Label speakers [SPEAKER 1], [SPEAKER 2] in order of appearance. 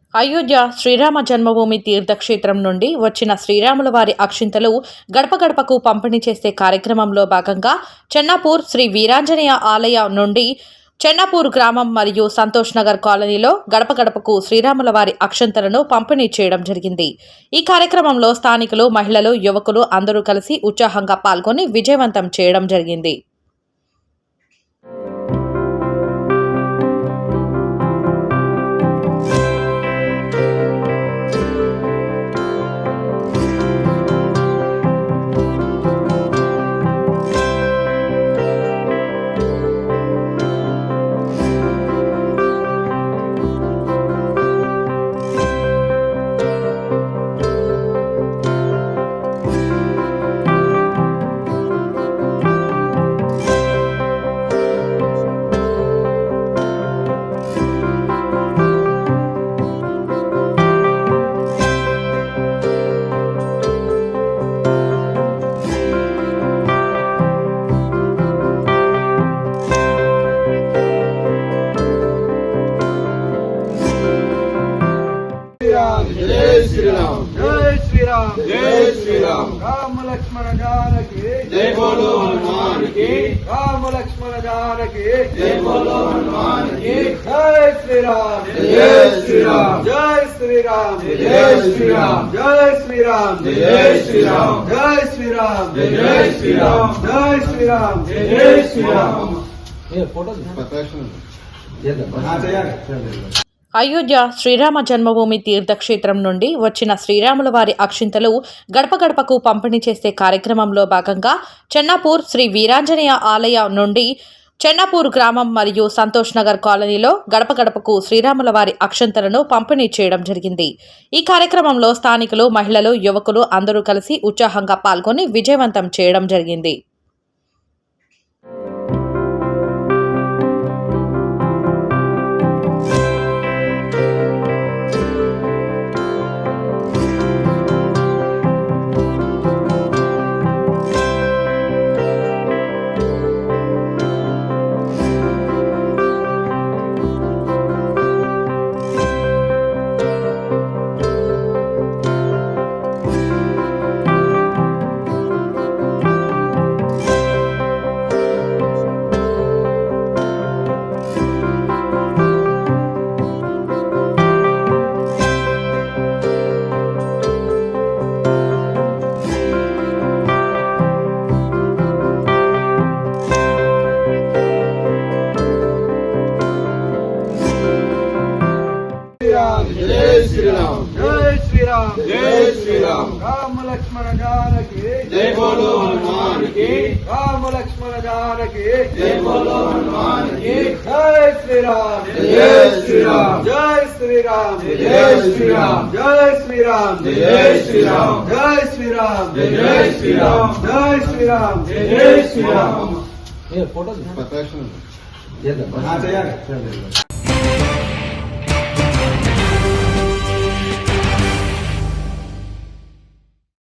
[SPEAKER 1] అయోధ్య శ్రీరామ జన్మభూమి తీర్థక్షేత్రం నుండి వచ్చిన శ్రీరాముల వారి అక్షింతలు గడప గడపకు పంపిణీ చేసే కార్యక్రమంలో భాగంగా చెన్నాపూర్ శ్రీ వీరాంజనేయ ఆలయ నుండి చెన్నాపూర్ గ్రామం మరియు సంతోష్ నగర్ కాలనీలో గడప గడపకు శ్రీరాముల వారి అక్షంతలను పంపిణీ చేయడం జరిగింది. ఈ కార్యక్రమంలో స్థానికులు, మహిళలు, యువకులు అందరూ కలిసి ఉత్సాహంగా పాల్గొని విజయవంతం చేయడం జరిగింది.
[SPEAKER 2] जय श्री राम,
[SPEAKER 3] जय श्री राम,
[SPEAKER 2] जय श्री राम।
[SPEAKER 3] राम लक्ष्मण जानकी
[SPEAKER 2] जय बोलो हनुमान की,
[SPEAKER 3] राम लक्ष्मण जानकी
[SPEAKER 2] जय बोलो हनुमान की।
[SPEAKER 3] जय श्री राम,
[SPEAKER 2] जय श्री राम,
[SPEAKER 3] जय श्री राम,
[SPEAKER 2] जय श्री राम,
[SPEAKER 3] जय श्री राम,
[SPEAKER 2] जय श्री राम,
[SPEAKER 3] जय श्री राम,
[SPEAKER 2] जय श्री राम,
[SPEAKER 3] जय श्री राम,
[SPEAKER 2] जय श्री राम।
[SPEAKER 1] అయోధ్య శ్రీరామ జన్మభూమి తీర్థక్షేత్రం నుండి వచ్చిన శ్రీరాముల వారి అక్షింతలు గడప గడపకు పంపిణీ చేసే కార్యక్రమంలో భాగంగా చెన్నాపూర్ శ్రీ వీరాంజనేయ ఆలయ నుండి చెన్నాపూర్ గ్రామం మరియు సంతోష్ నగర్ కాలనీలో గడప గడపకు శ్రీరాముల వారి అక్షంతలను పంపిణీ చేయడం జరిగింది. ఈ కార్యక్రమంలో స్థానికులు, మహిళలు, యువకులు అందరూ కలిసి ఉత్సాహంగా పాల్గొని విజయవంతం చేయడం జరిగింది.
[SPEAKER 2] जय श्री राम,
[SPEAKER 3] जय श्री राम,
[SPEAKER 2] जय श्री राम।
[SPEAKER 3] राम लक्ष्मण जानकी
[SPEAKER 2] जय बोलो हनुमान की,
[SPEAKER 3] राम लक्ष्मण जानकी
[SPEAKER 2] जय बोलो हनुमान की।
[SPEAKER 3] जय श्री राम,
[SPEAKER 2] जय श्री राम,
[SPEAKER 3] जय श्री राम,
[SPEAKER 2] जय श्री राम,
[SPEAKER 3] जय श्री राम,
[SPEAKER 2] जय श्री राम,
[SPEAKER 3] जय श्री राम,
[SPEAKER 2] जय श्री राम,
[SPEAKER 3] जय श्री राम,
[SPEAKER 2] जय श्री राम।
[SPEAKER 3] फोटो